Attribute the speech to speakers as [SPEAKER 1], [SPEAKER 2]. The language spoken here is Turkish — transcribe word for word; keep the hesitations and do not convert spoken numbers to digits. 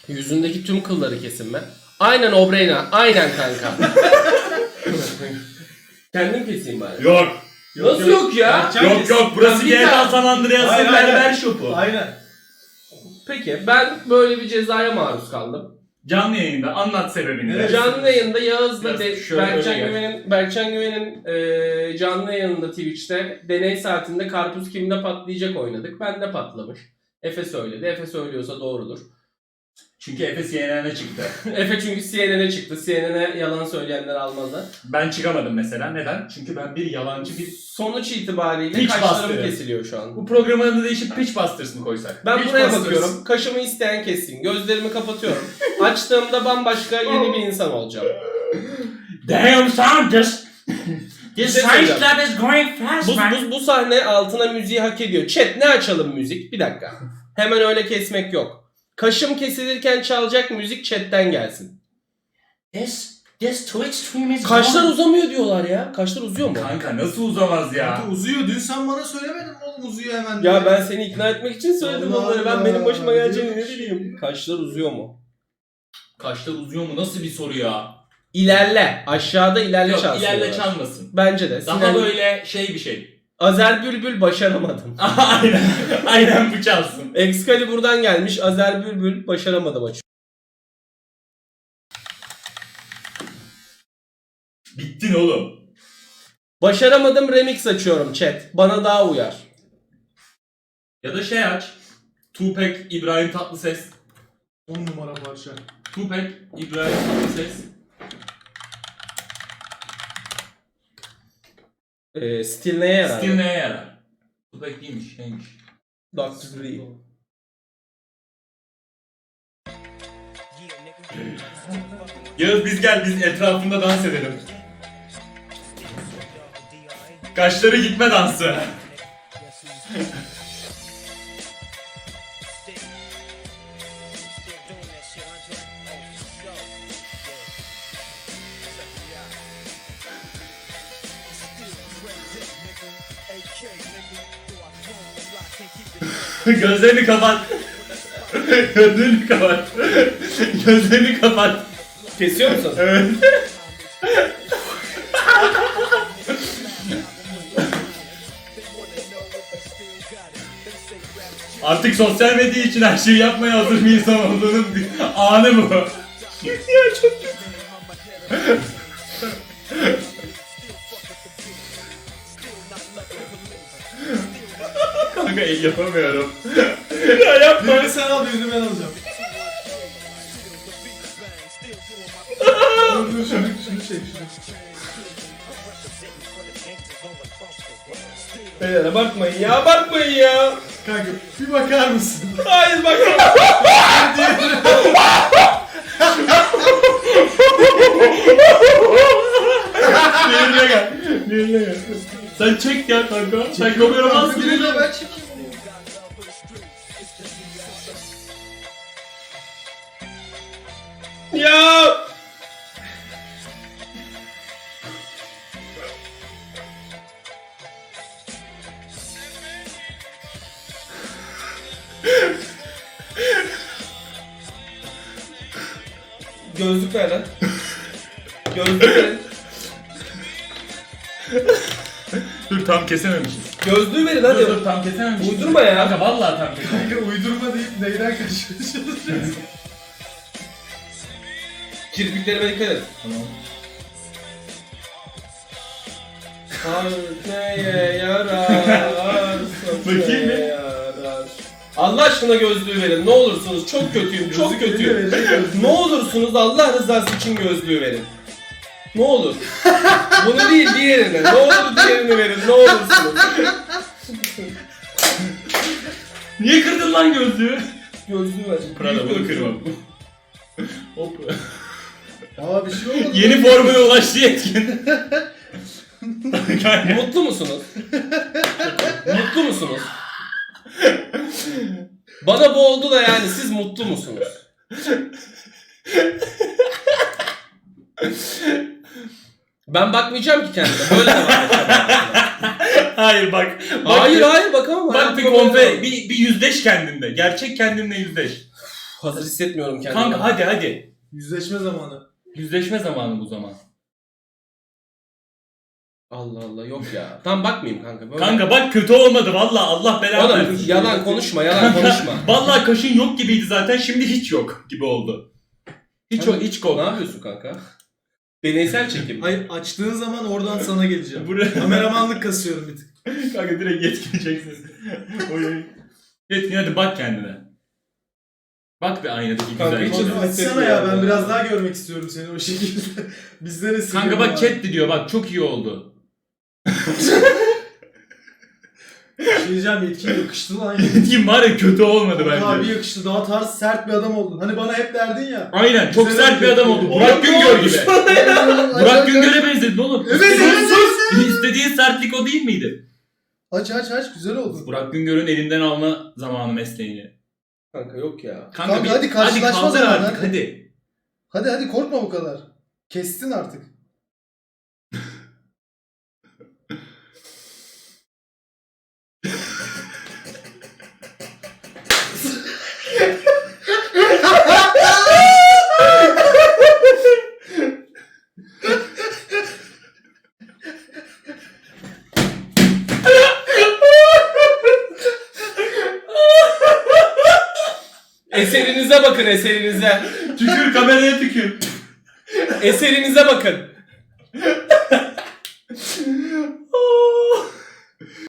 [SPEAKER 1] Yüzündeki tüm kılları kesinme. Aynen Obreyna. Aynen kanka. Kendim keseyim bari.
[SPEAKER 2] Yok.
[SPEAKER 1] Nasıl yok, yok ya?
[SPEAKER 2] Yok yok, yok. Burası G T A San Andreas'ın berber şopu.
[SPEAKER 3] Aynen.
[SPEAKER 1] Peki ben böyle bir cezaya maruz kaldım.
[SPEAKER 2] Canlı yayında anlat sebebini.
[SPEAKER 3] Evet.
[SPEAKER 1] Canlı yayında Yağız'la de,
[SPEAKER 2] şöyle
[SPEAKER 1] Berkcan
[SPEAKER 2] öyle gel.
[SPEAKER 1] Güven'in Berkcan Güven'in e, canlı yayınında Twitch'te deney saatinde karpuz kimde patlayacak oynadık. Ben de patlamış. Efe söyledi. Efe söylüyorsa doğrudur.
[SPEAKER 2] Çünkü Efes C N N'e çıktı.
[SPEAKER 1] Efe çünkü C N N'e çıktı. C N N'e yalan söyleyenler almazlar.
[SPEAKER 2] Ben çıkamadım mesela. Neden? Çünkü ben bir yalancı bir...
[SPEAKER 1] Sonuç itibariyle
[SPEAKER 2] Pitch
[SPEAKER 1] kaşlarım
[SPEAKER 2] bastırı.
[SPEAKER 1] kesiliyor şu an.
[SPEAKER 2] Bu programın adını değişip Pitch Busters mı koysak?
[SPEAKER 1] Ben
[SPEAKER 2] Pitch
[SPEAKER 1] buraya
[SPEAKER 2] Busters.
[SPEAKER 1] bakıyorum. Kaşımı isteyen kessin. Gözlerimi kapatıyorum. Açtığımda bambaşka yeni bir insan olacağım.
[SPEAKER 2] Damn son, this... This
[SPEAKER 1] şey
[SPEAKER 2] science
[SPEAKER 1] söyleyeceğim.
[SPEAKER 2] lab is going fast,
[SPEAKER 1] Bu,
[SPEAKER 2] man.
[SPEAKER 1] bu, bu sahne altına müziği hak ediyor. Chat ne açalım müzik? Bir dakika. Hemen öyle kesmek yok. Kaşım kesilirken çalacak müzik chatten gelsin.
[SPEAKER 2] This, this Twitch stream is
[SPEAKER 1] Kaşlar
[SPEAKER 2] going-
[SPEAKER 1] uzamıyor diyorlar ya. Kaşlar uzuyor mu?
[SPEAKER 2] Kanka nasıl uzamaz ya?
[SPEAKER 3] Kanka uzuyor. Dün sen bana söylemedin mi oğlum uzuyor hemen.
[SPEAKER 1] Ya ben seni ikna etmek için söyledim
[SPEAKER 3] Allah
[SPEAKER 1] onları. Ben benim başıma
[SPEAKER 3] Allah.
[SPEAKER 1] geleceğini ne bileyim. Kaşlar uzuyor mu?
[SPEAKER 2] Kaşlar uzuyor mu? Nasıl bir soru ya?
[SPEAKER 1] İlerle. Aşağıda ilerle
[SPEAKER 2] Yok,
[SPEAKER 1] çalsın.
[SPEAKER 2] ilerle
[SPEAKER 1] diyorlar.
[SPEAKER 2] çalmasın.
[SPEAKER 1] Bence de.
[SPEAKER 2] Daha
[SPEAKER 1] Sinan-
[SPEAKER 2] böyle şey bir şey.
[SPEAKER 1] Azer Bülbül başaramadım.
[SPEAKER 2] Aynen. Aynen bu çalsın.
[SPEAKER 1] Excalibur'dan gelmiş. Azer Bülbül başaramadım açık.
[SPEAKER 2] Bittin oğlum.
[SPEAKER 1] Başaramadım remix açıyorum chat. Bana daha uyar.
[SPEAKER 2] Ya da şey aç. Tupac, İbrahim Tatlıses.
[SPEAKER 3] on numara parça.
[SPEAKER 2] Tupac, İbrahim Tatlıses.
[SPEAKER 1] Ee, stil neye yarar?
[SPEAKER 2] Stil neye yarar? Tupac değilmiş, neymiş?
[SPEAKER 1] doktor Dre.
[SPEAKER 2] Yağız biz gel, biz etrafında dans edelim. Kaşları gitme dansı. Gözlerini kapat. Gözlerini kapat. Gözlerini kapat.
[SPEAKER 1] Kesiyor musun?
[SPEAKER 2] Evet. Artık sosyal medya için her şeyi yapmaya hazır bir insan olduğunun bir anı bu. Ya çok kötü. Kanka el yapamıyorum. Ya yapma.
[SPEAKER 3] Birini sen al birini ben alacağım. Dur dur şunu, şunu çek şunu.
[SPEAKER 1] Beyler abartmayın ya abartmayın ya.
[SPEAKER 3] Kanka bir bakar mısın?
[SPEAKER 1] Hayır bak.
[SPEAKER 2] Diğerine gel. Diğerine gel. Sen çek ya kanka. Sen kameramazsın.
[SPEAKER 3] Birini de ben çekeyim.
[SPEAKER 1] Ya. Gözlük ver lan. Gözlük verin.
[SPEAKER 2] Dur tam kesememişiz.
[SPEAKER 1] Gözlüğü verin
[SPEAKER 2] Dur
[SPEAKER 1] hadi.
[SPEAKER 2] dur tam kesememişiz.
[SPEAKER 1] Uydurma ya.
[SPEAKER 2] Kanka vallahi tam kesememişiz.
[SPEAKER 3] Kanka uydurma deyip neyden kaçmaya çalışıyorsun?
[SPEAKER 1] Kirpiklerime dikkat et.
[SPEAKER 2] Tamam.
[SPEAKER 1] Kalp neye yarar?
[SPEAKER 2] Bakayım bir.
[SPEAKER 1] yarar. Allah aşkına gözlüğü verin. Ne olursunuz. Çok kötüyüm. Çok
[SPEAKER 3] Gözlük
[SPEAKER 1] kötüyüm.
[SPEAKER 3] eline verecek gözlük.
[SPEAKER 1] Ne olursunuz Allah rızası için gözlüğü verin. Ne olur. Bunu değil diğerini. Ne olur diğerini verin. Ne olursunuz.
[SPEAKER 2] Niye kırdın lan gözlüğü?
[SPEAKER 1] Gözlüğü ver.
[SPEAKER 2] Prada bunu
[SPEAKER 1] Büyük
[SPEAKER 2] kırmam. Hop.
[SPEAKER 3] Aa bir şey olmadı.
[SPEAKER 2] Yeni formuna ulaştı yetkin.
[SPEAKER 1] gözlüğü. Mutlu musunuz? Mutlu musunuz? Bana bu oldu da yani siz mutlu musunuz? Ben bakmayacağım ki kendime. Böyle devam edeceğim.
[SPEAKER 2] Hayır bak. bak
[SPEAKER 1] Hayır
[SPEAKER 2] bir,
[SPEAKER 1] hayır bakamam.
[SPEAKER 2] Bak bir konfe, bir, bir yüzleş kendinle. Gerçek kendinle yüzleş.
[SPEAKER 1] Hazır hissetmiyorum kendimi.
[SPEAKER 2] Kanka hadi hadi.
[SPEAKER 3] Yüzleşme zamanı.
[SPEAKER 2] Yüzleşme zamanı bu zaman.
[SPEAKER 1] Allah Allah yok ya. Tam bakmayayım kanka. Böyle...
[SPEAKER 2] Kanka bak kötü olmadı valla Allah belanı
[SPEAKER 1] Oğlum
[SPEAKER 2] versin.
[SPEAKER 1] yalan konuşma yalan konuşma.
[SPEAKER 2] Vallahi kaşın yok gibiydi zaten şimdi hiç yok gibi oldu. Hiç
[SPEAKER 1] Kanka,
[SPEAKER 2] o hiç
[SPEAKER 1] Ne
[SPEAKER 2] kok.
[SPEAKER 1] yapıyorsun kanka? Deneysel çekim.
[SPEAKER 3] Hayır açtığın zaman oradan sana geleceğim.
[SPEAKER 2] Buraya
[SPEAKER 3] Kameramanlık kasıyorum bir tık.
[SPEAKER 2] kanka direkt yetkineceksin. Oy. Yetkin hadi bak kendine. Bak bir aynadaki
[SPEAKER 1] Kanka,
[SPEAKER 2] güzel
[SPEAKER 1] hiç
[SPEAKER 2] şey.
[SPEAKER 1] hazır-
[SPEAKER 3] Açsana ya ben biraz daha görmek istiyorum seni o şekilde. Bizde de
[SPEAKER 2] Kanka bak chat diyor bak çok iyi oldu.
[SPEAKER 3] Şey diyeceğim yetkin yakıştı lan.
[SPEAKER 2] Yetkin var ya kötü olmadı
[SPEAKER 3] Kanka abi
[SPEAKER 2] bence.
[SPEAKER 3] yakıştı daha tarz sert bir adam oldun. Hani bana hep derdin ya.
[SPEAKER 2] Aynen çok
[SPEAKER 3] Güzel
[SPEAKER 2] sert bir
[SPEAKER 3] oldu.
[SPEAKER 2] adam oldu.
[SPEAKER 3] Oğlum,
[SPEAKER 2] Burak
[SPEAKER 3] ne
[SPEAKER 2] Güngör
[SPEAKER 3] olmuş
[SPEAKER 2] gibi.
[SPEAKER 3] bana?
[SPEAKER 2] Burak Güngör'e benzedin oğlum.
[SPEAKER 3] Evet,
[SPEAKER 2] İstediğin-
[SPEAKER 3] evet, evet.
[SPEAKER 2] İstediğin sertlik o değil miydi?
[SPEAKER 3] Aç aç aç güzel oldu.
[SPEAKER 2] Burak Güngör'ün elinden alma zamanı mesleğini.
[SPEAKER 1] Kanka yok ya.
[SPEAKER 3] Kanka,
[SPEAKER 2] bir-
[SPEAKER 3] hadi karşılaşma
[SPEAKER 2] kaldır
[SPEAKER 3] zamanı,
[SPEAKER 2] artık
[SPEAKER 3] hadi.
[SPEAKER 2] hadi.
[SPEAKER 3] Hadi hadi korkma bu kadar. Kestin artık.
[SPEAKER 1] Eserinize bakın eserinize.
[SPEAKER 2] Tükür kameraya tükür.
[SPEAKER 1] Eserinize bakın.